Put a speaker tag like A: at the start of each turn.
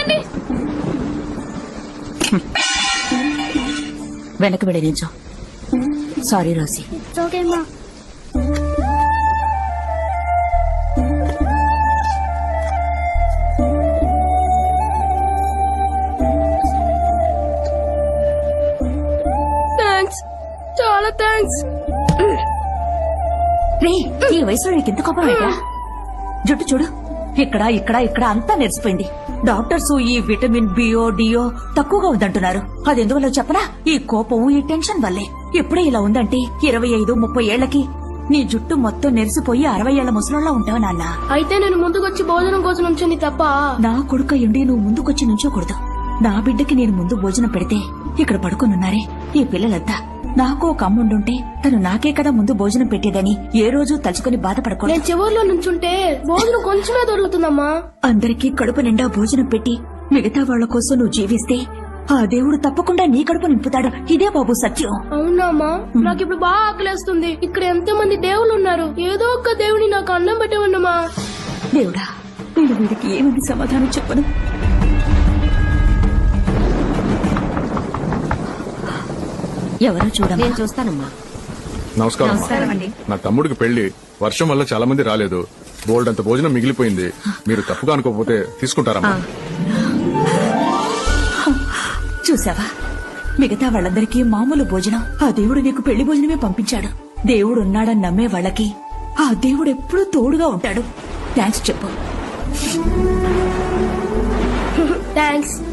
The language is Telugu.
A: ఆగండి.
B: వెనక్కి వెళ్ళి నిల్చో. సారీ రోసి.
A: ఓకే అమ్మా. థ్యాంక్స్, చాలా థ్యాంక్స్.
B: రే, ఈ వయసులో నీకు ఎంత కోపం ఏంటా? జుట్టు చూడు, ఇక్కడ ఇక్కడ ఇక్కడ అంతా నెరిసిపోయింది. డాక్టర్స్ ఈ విటమిన్ బిఓ డిఓ తక్కువగా ఉందంటున్నారు. అది ఎందువల్ల చెప్పనా? ఈ కోపం, ఈ టెన్షన్ వల్లే. ఎప్పుడే ఇలా ఉందంటే 25-30 ఏళ్లకి నీ జుట్టు మొత్తం నెరిసిపోయి 60 ఏళ్ల ముసలోళ్ళ ఉంటావు నాన్న.
A: అయితే నేను ముందుకొచ్చి భోజనం కోసం నుంచొని తప్ప
B: నా కొడుక ఎండి నువ్వు ముందుకొచ్చి నుంచోకూడదు. నా బిడ్డకి నేను ముందు భోజనం పెడితే ఇక్కడ పడుకునున్నారే ఈ పిల్లలంతా. నాకు ఒక అమ్ముండుంటే తను నాకే కదా ముందు భోజనం పెట్టేదని ఏ రోజు తలుచుకుని బాధపడకూడదు.
A: నేను చివర్లో నుంచుంటే భోజనం కొంచెమే దొరుకుతుందమ్మా.
B: అందరికీ కడుపు నిండా భోజనం పెట్టి మిగతా వాళ్ల కోసం నువ్వు జీవిస్తే ఆ దేవుడు తప్పకుండా నీ కడుపు నింపుతాడు. ఇదే బాబు సత్యం.
A: అవునా అమ్మా? నాకు ఇప్పుడు బాగా ఆకలేస్తుంది. ఇక్కడ ఎంతో మంది దేవుళ్ళు ఉన్నారు. ఏదో ఒక దేవుని నాకు అన్నం పెట్టేవన్నమ్మా.
B: దేవుడా, నేను వీడికి ఏమని సమాధానం చెప్పను? ఎవరో చూడమ్మా.
C: నేను చూస్తానమ్మా.
D: నమస్కారం అండి. నా తమ్ముడికి పెళ్లి, వర్షం వల్ల చాలా మంది రాలేదు. బోల్డ్ అంత భోజనం మిగిలిపోయింది. మీరు తప్పుగా అనుకోకపోతే తీసుకుంటారమ్మా.
B: చూసావా, మిగతా వాళ్ళందరికీ మామూలు భోజనం, ఆ దేవుడు నీకు పెళ్లి భోజనమే పంపించాడు. దేవుడు ఉన్నాడని నమ్మే వాళ్ళకి ఆ దేవుడు ఎప్పుడూ తోడుగా ఉంటాడు. థ్యాంక్స్ చెప్పు.
A: థ్యాంక్స్.